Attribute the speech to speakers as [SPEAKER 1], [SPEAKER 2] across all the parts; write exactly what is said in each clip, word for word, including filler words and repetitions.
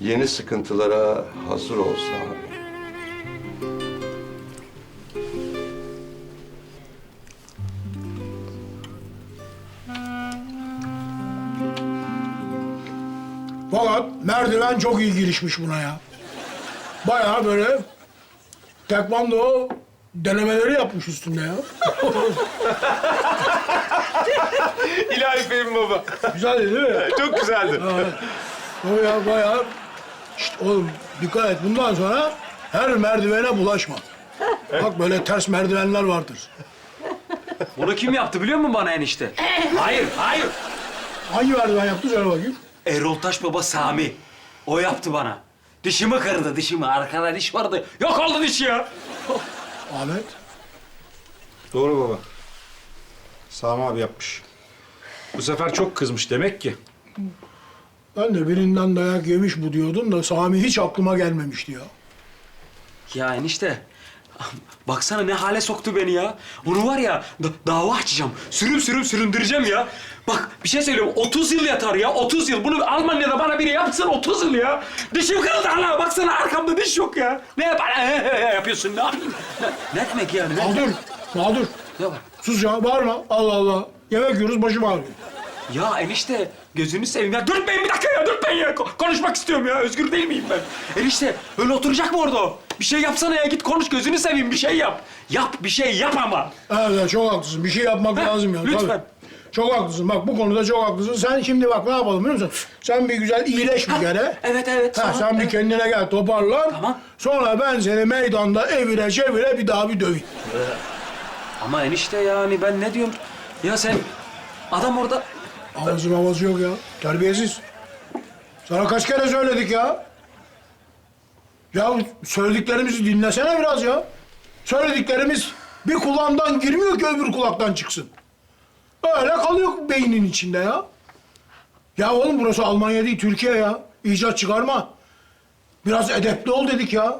[SPEAKER 1] yeni sıkıntılara hazır ol Sami.
[SPEAKER 2] Fakat merdiven çok iyi girişmiş buna ya. Bayağı böyle tekvando denemeleri yapmış üstünde ya.
[SPEAKER 3] İlahi Fehmi baba.
[SPEAKER 2] Güzeldi değil mi?
[SPEAKER 3] Çok güzeldi.
[SPEAKER 2] O ya bayağı... Şişt, oğlum dikkat et. Bundan sonra her merdivene bulaşma. Bak böyle ters merdivenler vardır.
[SPEAKER 4] Bunu kim yaptı biliyor musun bana enişte? Hayır, hayır.
[SPEAKER 2] Hangi merdiven yaptı söyle bakayım.
[SPEAKER 4] Erol Taş Baba Sami. O yaptı bana. Dişimi kırdı, dişimi. Arkada diş vardı. Yok oldu diş ya.
[SPEAKER 2] Ahmet.
[SPEAKER 3] Doğru baba. Sami abi yapmış. Bu sefer çok kızmış demek ki.
[SPEAKER 2] Ben de birinden dayak yemiş bu diyordum da Sami hiç aklıma gelmemişti ya.
[SPEAKER 4] Ya enişte. Baksana ne hale soktu beni ya. Onu var ya da- dava açacağım. Sürüm sürüm süründüreceğim ya. Bak bir şey söylüyorum. otuz yıl yatar ya. otuz yıl. Bunu Almanya'da bana biri yapsın otuz yıl ya. Dişim kırıldı hala. Baksana arkamda diş yok ya. Ne bana yapıyorsun? Ne yapayım? Ne, ne demek yani? Ne,
[SPEAKER 2] Mağdur, mağdur.
[SPEAKER 4] ne var?
[SPEAKER 2] Sus ya, bağırma. Allah Allah. Yemek yiyoruz, başım ağrıyor.
[SPEAKER 4] Ya enişte gözünü seveyim ya. Dürtmeyin bir dakika ya. Dürtmeyin ya. Ko- konuşmak istiyorum ya. Özgür değil miyim ben? Enişte öyle oturacak mı orada o? Bir şey yapsana ya. Git konuş gözünü seveyim. Bir şey yap. Yap bir şey yap ama.
[SPEAKER 2] Evet, çok haklısın. Bir şey yapmak
[SPEAKER 4] Heh,
[SPEAKER 2] lazım ya.
[SPEAKER 4] lütfen.
[SPEAKER 2] Tabii. Çok haklısın. Bak bu konuda çok haklısın. Sen şimdi bak ne yapalım biliyor musun? Sen bir güzel iyileş bir kere.
[SPEAKER 4] Evet evet.
[SPEAKER 2] Ha,
[SPEAKER 4] sonra-
[SPEAKER 2] sen bir
[SPEAKER 4] evet.
[SPEAKER 2] kendine gel, toparlan.
[SPEAKER 4] Tamam.
[SPEAKER 2] Sonra ben seni meydanda evire çevire bir daha bir döveyim.
[SPEAKER 4] Ama enişte yani ben ne diyorum? Ya sen adam orada...
[SPEAKER 2] Ağzı havası yok ya. Terbiyesiz. Sana kaç kere söyledik ya? Ya söylediklerimizi dinlesene biraz ya. Söylediklerimiz bir kulağından girmiyor ki öbür kulaktan çıksın. Öyle kalıyor beynin içinde ya. Ya oğlum burası Almanya değil, Türkiye ya. İcat çıkarma. Biraz edepli ol dedik ya.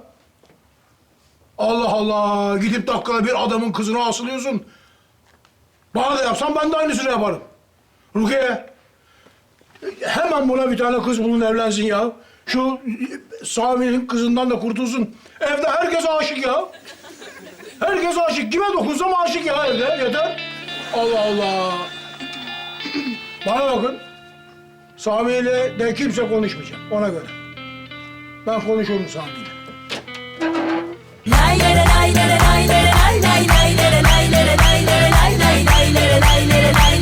[SPEAKER 2] Allah Allah. Gidip dakikada bir adamın kızına asılıyorsun. Bana da yapsan ben de aynısını yaparım. Rukiye. Hemen buna bir tane kız bulun evlensin ya. Şu Sami'nin kızından da kurtulsun. Evde herkes aşık ya. Herkes aşık. Kime dokunsam aşık ya evde. Yeter. Allah Allah. Bana bakın. Sami'yle de kimse konuşmayacak. Ona göre. Ben konuşurum Sami'yle.
[SPEAKER 5] Lay lay lay lay lay lay lay lay lay lay lay lay lay lay lay lay lay lay lay lay